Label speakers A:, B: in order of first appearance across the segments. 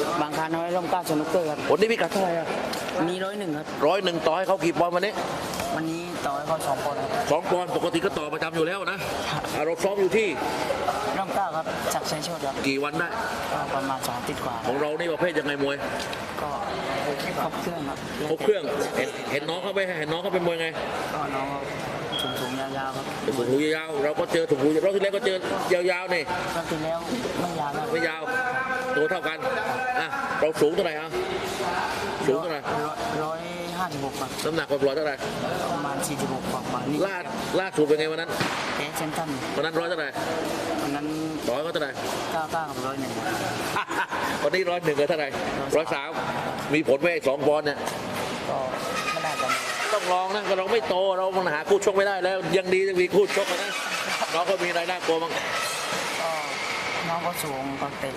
A: บางคาน้อยร่มเกล้าสนุกเกอร์ครับ
B: วันนี้พิกัดเท่าไหร่อะ
A: วันนี้101ครับ
B: 101ต่อให้เขากี่ปอนด์วันนี้
A: วันนี้ต่อให้เขา2 ปอนด์ครับ
B: 2 ปอนด์ปกติก็ต่อประจำอยู่แล้วนะเราซ้อมอยู่ที่
A: ร่มเกล้าครับจากชัยโชติครับ
B: กี่วันได้
A: ก็ประมาณ2 อาทิตย์กว่า
B: ของเรานี่ประเภทยังไงมวย
A: ก็ครบเครื่องครับ
B: ครบเครื่องเห็นน้องเขาไปเห็นน้องเขาเป็นมวยไง
A: ก็น้องสูงๆยาวๆครับ
B: ถุงหูยาวๆเราก็เจอถุงหูรอบที่แล้วก็เจอยาวๆนี่
A: ก็คือแล้วไม่ยาวครับ
B: ไม่ยาวตัวเท่ากันอ่ะเราสูงเท่าไหร่อ่ะสูงเท่าไหร่
A: 156ครับ
B: น้ำหนักปล่อยๆเท่าไหร่
A: ประมาณ46กว่าๆนี่
B: ล่าสุดเป็นไงวันนั้น
A: แพ้เซนตัน
B: วันนั้นเท่าไหร่
A: วันนั้น
B: ต่อยเขาเท่าไหร่
A: 99กับ101
B: วันนี้101กับเท่าไหร่103มีผลไหม2 ปอนด์เนี่ย
A: ก็ไม่น่าจะมี
B: ต้องลองนะก็เราไม่โตเรามันหาคู่ชกไม่ได้แล้วยังดียังมีคู่ชกนะน้องก็มีรายได้กลัวมั้ง
A: ก็น้องก็สูงก็เตะ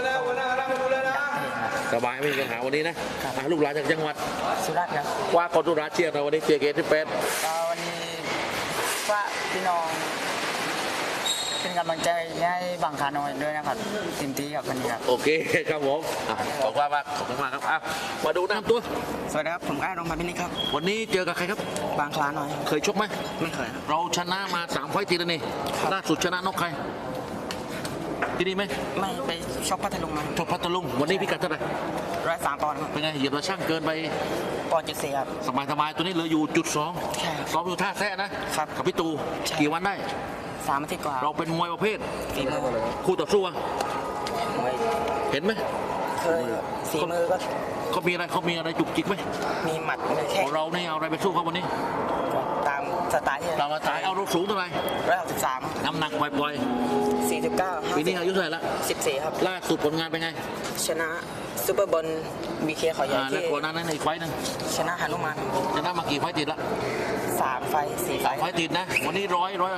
B: สบายไม่มีปัญหาวันนี้นะอ่ะลูกหลานจากจังหวัด
A: สุรัตน์ครับ
B: ว่าคนตุราเชียร์เราวันนี้เชียร์เกตที่เป็น
A: ก็วันนี้ฝากพี่น้องเป็นกำลังใจให้บางคาน้อยด้วยนะครับเต็มที่กับวันนี้ครับ
B: โอเคครับผมอ่ะขอบคุณมากขอบคุณมากครับอ่ะมาดูน้ำตัว
A: สวัสดีครับผมก้าวรงพันธ์พินิจครับ
B: วันนี้เจอกับใครครับ
A: บางคลาน้อย
B: เคยชกไหม
A: ไม่เคยครับ
B: เราชนะมา3 ไฟต์ติดแล้วนี่ล่าสุดชนะนกใครที่นี่ไหม
A: ไม่ไปชกพัทลุงมา
B: ชกพัทลุงวันนี้พิกัดเท่าไหร่
A: 103 ปอนด์ครับ
B: เป็นไงเหยียบตะช่างเกินไป
A: ปอนด์.4ครับ
B: สบายตัวนี้เหลืออยู่จุด2
A: ใช่ครับ
B: ซ้อมอยู่ท่าแซะนะครับ กับพี่ตู
A: ใช่
B: กี่วันได้
A: 3 อาทิตย์กว่า
B: เราเป็นมวยประเภท
A: ฝีมือ
B: คู่ต่อสู้อะ
A: มวย
B: เห็นไหม
A: เคยฝีมือก็
B: เขามีอะไรจุกจิกไหม
A: มีหมัดมี
B: ข
A: แข้ง
B: องเราเนี่ยเอาอะไรไปสู้เขาวันนี้
A: ตามสไตล์ที่
B: เรามาตายเอาเราสูงเท่าไหร่
A: 163
B: น้ำหนักปล่อย
A: 49
B: ๆปีนี้อายุเท่าไหร่ละ
A: 14ครับ
B: ล่าสุดผลงานเป็นไง
A: ชนะซูเปอร์บอลบีเคเขาใหญ่
B: แล้ว
A: ที่
B: ก่อนหน้านั้นอีกไฟต์หนึง
A: ชนะฮานุมาน
B: ชนะมากี่ไฟต์ติดละ
A: 3 ไฟ 4 ไฟ
B: ไฟต์ติดนะวันนี้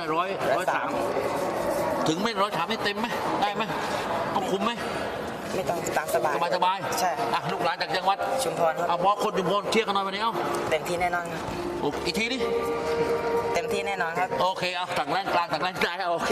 B: 103ถึงไม่103ไม่เต็มไหมได้ไหมต้องคุมไหม
A: ไม่ต้องตามสบาย
B: สบาย
A: ใช่ครับ
B: อ่ะลูกหลานจากจังหวัด
A: ชุมพรครับ
B: เอาบอกคนชุมพรเชียร์กันหน่อยวันนี้เอ้า
A: เต็มที่แน่นอนครับ
B: อีกทีดิ
A: เต็มที่แน่นอนครับ
B: โอเคเอาต่างแรงกลางต่างแรงใจเอา